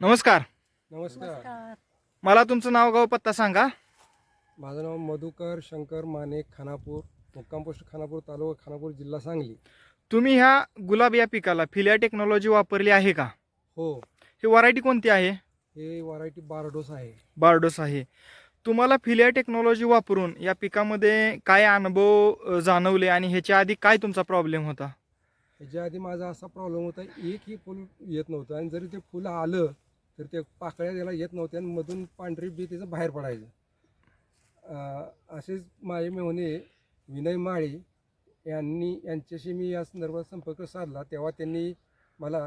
नमस्कार. नमस्कार. मला तुमचं नाव गाव पत्ता सांगा. माझं नाव मधुकर शंकर माने, खानापूर, मुक्काम पोस्ट खानापूर, तालुका खानापूर, जिल्हा सांगली. तुम्ही ह्या गुलाब या पिकाला फिलिया टेक्नॉलॉजी वापरली आहे का? हो, ही व्हरायटी कोणती आहे? हे व्हरायटी बारडोस आहे. बारडोस आहे. तुम्हाला फिलिया टेक्नॉलॉजी वापरून या पिकामध्ये काय अनुभव जाणवले आणि ह्याच्या आधी काय तुमचा प्रॉब्लेम होता? ह्याच्या आधी माझा असा प्रॉब्लेम होता, एकही फुल येत नव्हतं आणि जरी ते फुलं आलं तर ते पाकळ्या त्याला येत नव्हत्या आणि मधून पांढरी बी त्याचं बाहेर पडायचं. असेच माझे मेहुणे विनय माळी यांच्याशी मी या संदर्भात संपर्क साधला, तेव्हा त्यांनी मला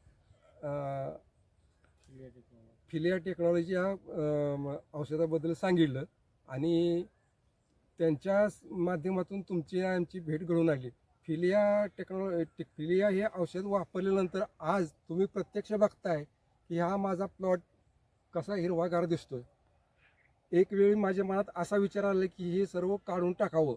फिलिया टेक्नॉलॉजी या औषधाबद्दल सांगितलं आणि त्यांच्या माध्यमातून तुमची आमची भेट घडून आली. फिलिया हे औषध वापरल्यानंतर आज तुम्ही प्रत्यक्ष बघताय की हा माझा प्लॉट कसा हिरवागार दिसतोय. एक वेळी माझ्या मनात असा विचार आला की हे सर्व काढून टाकावं.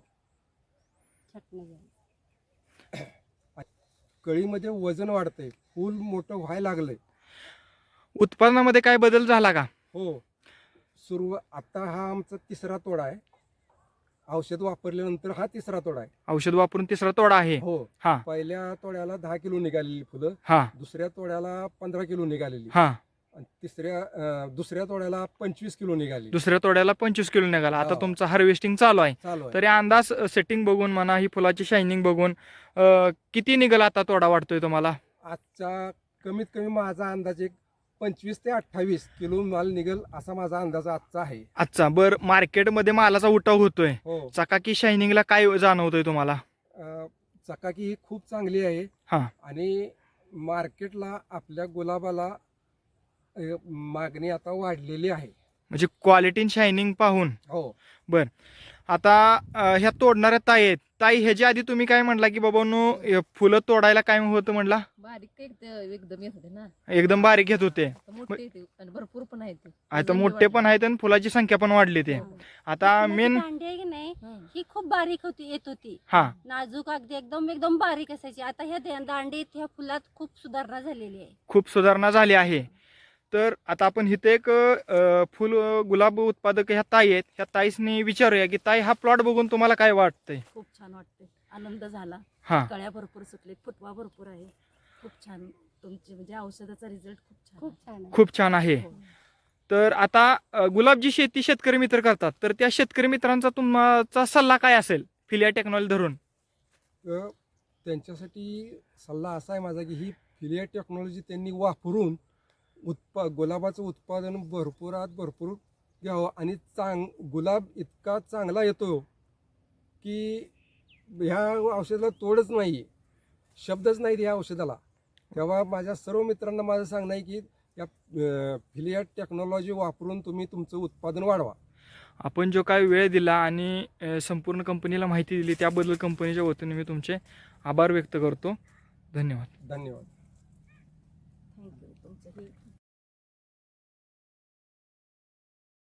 कळीमध्ये वजन वाढतंय, फूल मोठं व्हायला लागलंय. उत्पादनामध्ये काय बदल झाला का? हो, आता हा आमचा तिसरा तोडा आहे. औषध वापरल्यानंतर हा तिसरा तोडा आहे. औषध वापरून तिसरा तोडा आहे. हो, हा पहिल्या तोड्याला 10 किलो निघालेली फुलं, हा दुसऱ्या तोड्याला 15 किलो निघालेली हा आणि दुसऱ्या तोड्याला 25 किलो निघाली. दुसऱ्या तोड्याला 25 किलो निघाला. आता हो. तुमचं हार्वेस्टिंग चालू आहे. चालू आहे. तरी अंदाज सेटिंग बघून म्हणा, ही फुलाची शायनिंग बघून किती निघाला आता तोडा वाटतोय तुम्हाला? आजचा कमीत कमी माझा अंदाज एक 25 ते 28 किलो माल निघेल असा माझा अंदाज आजचा आहे. अच्छा, बर मार्केटमध्ये मालाचा उठाव होतोय. हो, चकाकी शायनिंगला काय जाणवतोय तुम्हाला? चकाकी ही खूप चांगली आहे हा आणि मार्केटला आपल्या गुलाबाला मागणी आता वाढलेली आहे. म्हणजे क्वालिटी शायनिंग पाहून. हो, बर, आता ह्या तोडणाऱ्या ताई आहेत. ताई, ह्याच्या आधी तुम्ही काय म्हणला की बाबांनो फुलं तोडायला काय होतं म्हणला? बारीक एकदम येत होते ना, एकदम बारीक घेत होते. आता मोठे येते आणि भरपूर पण आहेत. आता मोठे पण आहेत आणि फुलाची संख्या पण वाढली ते. आता मेन दांडी आहे की नाही, ही खूप बारीक येत होती. हा नाजूक अगदी एकदम एकदम बारीक असायची. आता ह्या दांडीत ह्या फुलात खूप सुधारणा झालेली आहे. खूप सुधारणा झाली आहे. तर आता आपण इथे एक फुल गुलाब उत्पादक ह्या ताई आहेत. ह्या ताईसनी विचारूया की ताई, हा प्लॉट बघून तुम्हाला काय वाटतंय? खूप छान वाटते, आनंद झाला. हा कळ्या भरपूर सुटले, फुटवा भरपूर आहे. खूप छान तुमची म्हणजे औषधाचा रिझल्ट खूप छान खूप आहे. छान आहे. खूप छान आहे. हो. तर आता गुलाबची शेती शेतकरी मित्र करतात, तर त्या शेतकरी मित्रांचा तुमचा सल्ला काय असेल फिलिया टेक्नॉलॉजी धरून? त्यांच्यासाठी सल्ला असा आहे माझा की ही फिलिया टेक्नॉलॉजी त्यांनी वापरून गुलाबाचं उत्पादन भरपूरात भरपूर घ्यावं आणि गुलाब इतका चांगला येतो की ह्या औषधाला तोडच नाही, शब्दच नाहीत ह्या औषधाला. तेव्हा माझ्या सर्व मित्रांना माझं सांगणं आहे की या फिलिया टेक्नॉलॉजी वापरून तुम्ही तुमचं उत्पादन वाढवा. आपण जो काय वेळ दिला आणि संपूर्ण कंपनीला माहिती दिली त्याबद्दल कंपनीच्या वतीने मी तुमचे आभार व्यक्त करतो. धन्यवाद. धन्यवाद.